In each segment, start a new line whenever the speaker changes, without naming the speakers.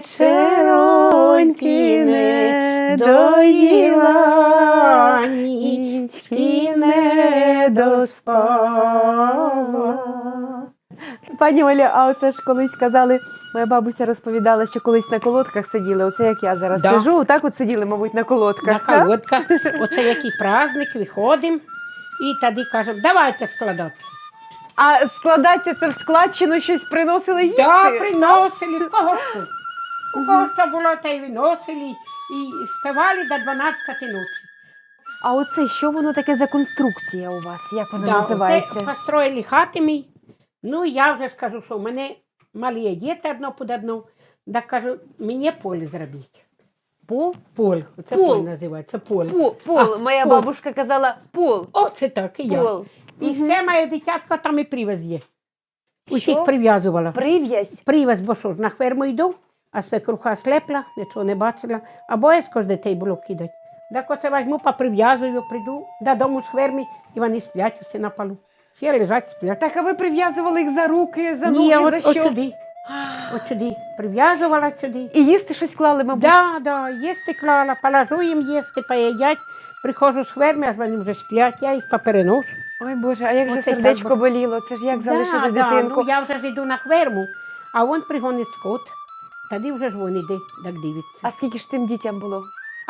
вечероньки не доїла, нічки не доспала.
Пані Оля, а оце ж колись казали, моя бабуся розповідала, що колись на колодках сиділи, оце як я зараз сиджу, так от сиділи, мабуть, на колодках.
На колодках. Оце який праздник, виходимо і тоді кажемо, давайте складатися.
А складатися це в складчину щось приносили їсти?
Так, приносили, в кого що. У кого що було, те й виносили і співали до 12 ночі.
А оце, що воно таке за конструкція у вас? Як вона
Да,
називається?
оце построїли хати мій. Ну, я вже скажу, що в мене малі діти одно під одну. Так кажу, мені поле зробіть.
Пол?
Поль. Оце
Пол.
поле називається, поле.
Пол. Моя
пол.
бабушка казала пол.
Оце так, і я.
Пол.
І ще моє дитятко там і привез є. Усіх
Що?
прив'язувала.
Прив'язь.
Привез, бо що ж, на ферму йду, а свекруха слепла, нічого не бачила, а боязко ж дітей було кидати. Так оце візьму, поприв'язую, прийду додому з ферми, і вони сплять усі на полу. Всі лежать, сплять.
Так, а ви прив'язували їх за руки, за ноги,
Ні,
за
от
що?
сюди. От сюди. Прив'язувала сюди.
І їсти щось клали, мабуть?
Да, їсти клала, положу їм їсти, поїдять. Приходжу з ферми, аж вони вже сплять, я їх попереношу.
Ой, Боже, а як же
Оце
сердечко
так,
боліло? Це ж як залишити дитинку?
Ну, я вже ж йду на ферму, а він пригонить скот. Тоді вже ж він іде, так дивиться.
А скільки ж тим дітям було?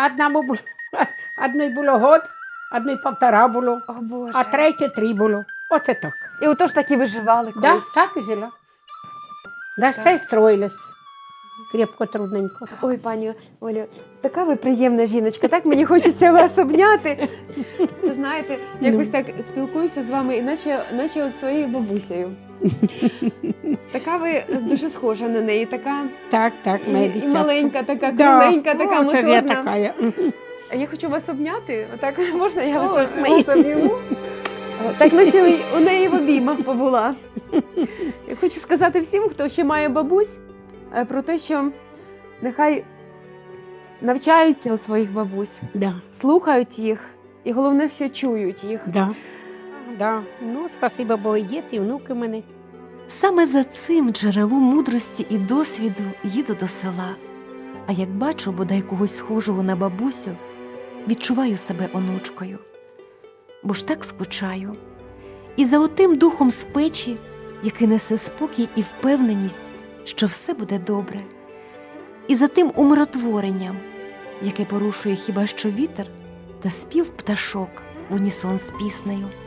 Одної було год, одної 1,5 було,
О, Боже.
а третє 3 було. Оце так.
І отож так і виживали
Да,
колись.
так і жила. Да, ще й строїлась. Крепко, трудненько.
Ой, пані Олю, така ви приємна жіночка, так мені хочеться вас обняти. Це, знаєте, якось так спілкуюся з вами, наче от своєю бабусею. Така ви дуже схожа на неї, така
Так, моя
і
дитятко.
маленька, така кругленька, така
О, це ж я
моторна.
така.
А я хочу вас обняти. Отак можна я
О,
вас
мої.
обійму? Так, наче у неї в обіймах побула. Я хочу сказати всім, хто ще має бабусь, про те, що нехай навчаються у своїх бабусь,
Да,
слухають їх і головне, що чують їх.
да. Ну, спасибо, бо і діти, і внуки в мене.
Саме за цим джерелом мудрості і досвіду їду до села. А як бачу бодай когось схожого на бабусю, відчуваю себе онучкою. Бо ж так скучаю. І за отим духом з печі, який несе спокій і впевненість, що все буде добре. І за тим умиротворенням, яке порушує хіба що вітер та спів пташок в унісон з піснею.